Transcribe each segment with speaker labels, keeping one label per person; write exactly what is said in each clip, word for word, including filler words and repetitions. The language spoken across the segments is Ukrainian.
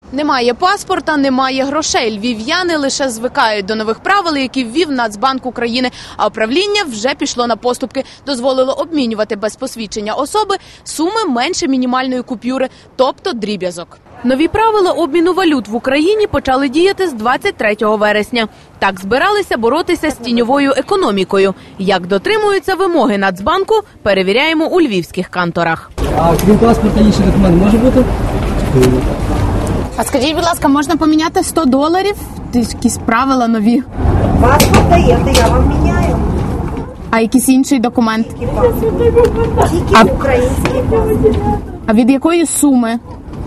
Speaker 1: Немає паспорта, немає грошей. Львів'яни лише звикають до нових правил, які ввів Нацбанк України. А управління вже пішло на поступки. Дозволило обмінювати без посвідчення особи суми менше мінімальної купюри, тобто дріб'язок. Нові правила обміну валют в Україні почали діяти з двадцять третього вересня. Так збиралися боротися з тіньовою економікою. Як дотримуються вимоги Нацбанку, перевіряємо у львівських канторах.
Speaker 2: А крім паспорта, інший документ може бути?
Speaker 1: А скажіть, будь ласка, можна поміняти сто доларів? Якісь правила нові.
Speaker 3: Паспорт даєте, я вам міняю.
Speaker 1: А якийсь інший документ?
Speaker 3: Тільки паспорт. Тільки український паспорт.
Speaker 1: А від якої суми?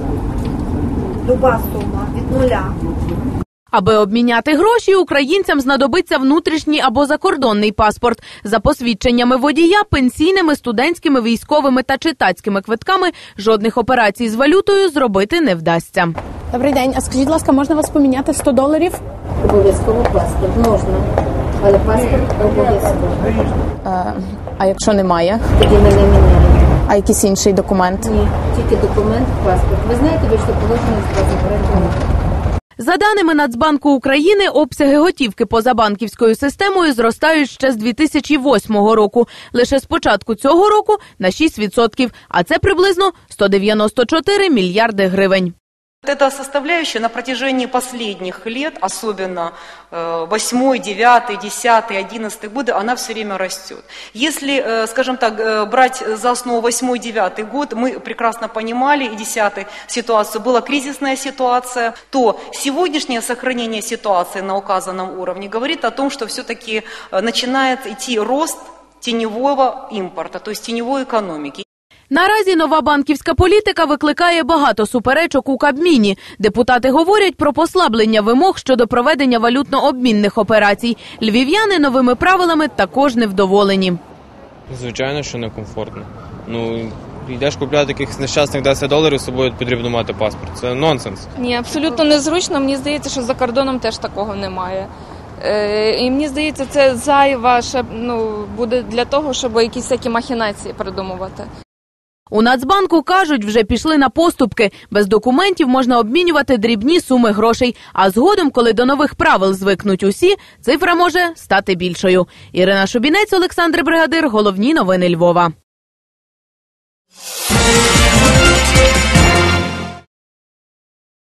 Speaker 3: Люба сума, від нуля.
Speaker 1: Аби обміняти гроші, українцям знадобиться внутрішній або закордонний паспорт. За посвідченнями водія, пенсійними, студентськими, військовими та читацькими квитками жодних операцій з валютою зробити не вдасться. Добрий день. А скажіть, будь ласка, можна вас поміняти сто доларів?
Speaker 4: Обов'язково паспорт можна, але паспорт обов'язково.
Speaker 1: А, а якщо немає?
Speaker 4: Тоді ми не міняємо.
Speaker 1: А якийсь інший документ?
Speaker 4: Ні, тільки документ, паспорт. Ви знаєте, ви що положено з паспортом?
Speaker 1: За даними Нацбанку України, обсяги готівки позабанківською системою зростають ще з дві тисячі восьмого року. Лише з початку цього року на шість відсотків, а це приблизно сто дев'яносто чотири мільярди гривень.
Speaker 5: Эта составляющая на протяжении последних лет, особенно восьмой, девятый, десятый, одиннадцатый годы, она все время растет. Если, скажем так, брать за основу восьмой, девятый год, мы прекрасно понимали, и десятый ситуацию, была кризисная ситуация, то сегодняшнее сохранение ситуации на указанном уровне говорит о том, что все-таки начинает идти рост теневого импорта, то есть теневой экономики.
Speaker 1: Наразі нова банківська політика викликає багато суперечок у Кабміні. Депутати говорять про послаблення вимог щодо проведення валютно-обмінних операцій. Львів'яни новими правилами також невдоволені.
Speaker 6: Звичайно, що некомфортно. Ну, йдеш купляти якихось нещасних десять доларів, з собою потрібно мати паспорт. Це нонсенс.
Speaker 7: Ні, абсолютно незручно. Мені здається, що за кордоном теж такого немає. Е, і мені здається, це зайва ще, ну, буде для того, щоб якісь такі махінації придумувати.
Speaker 1: У Нацбанку кажуть, вже пішли на поступки. Без документів можна обмінювати дрібні суми грошей. А згодом, коли до нових правил звикнуть усі, цифра може стати більшою. Ірина Шубінець, Олександр Бригадир. Головні новини Львова.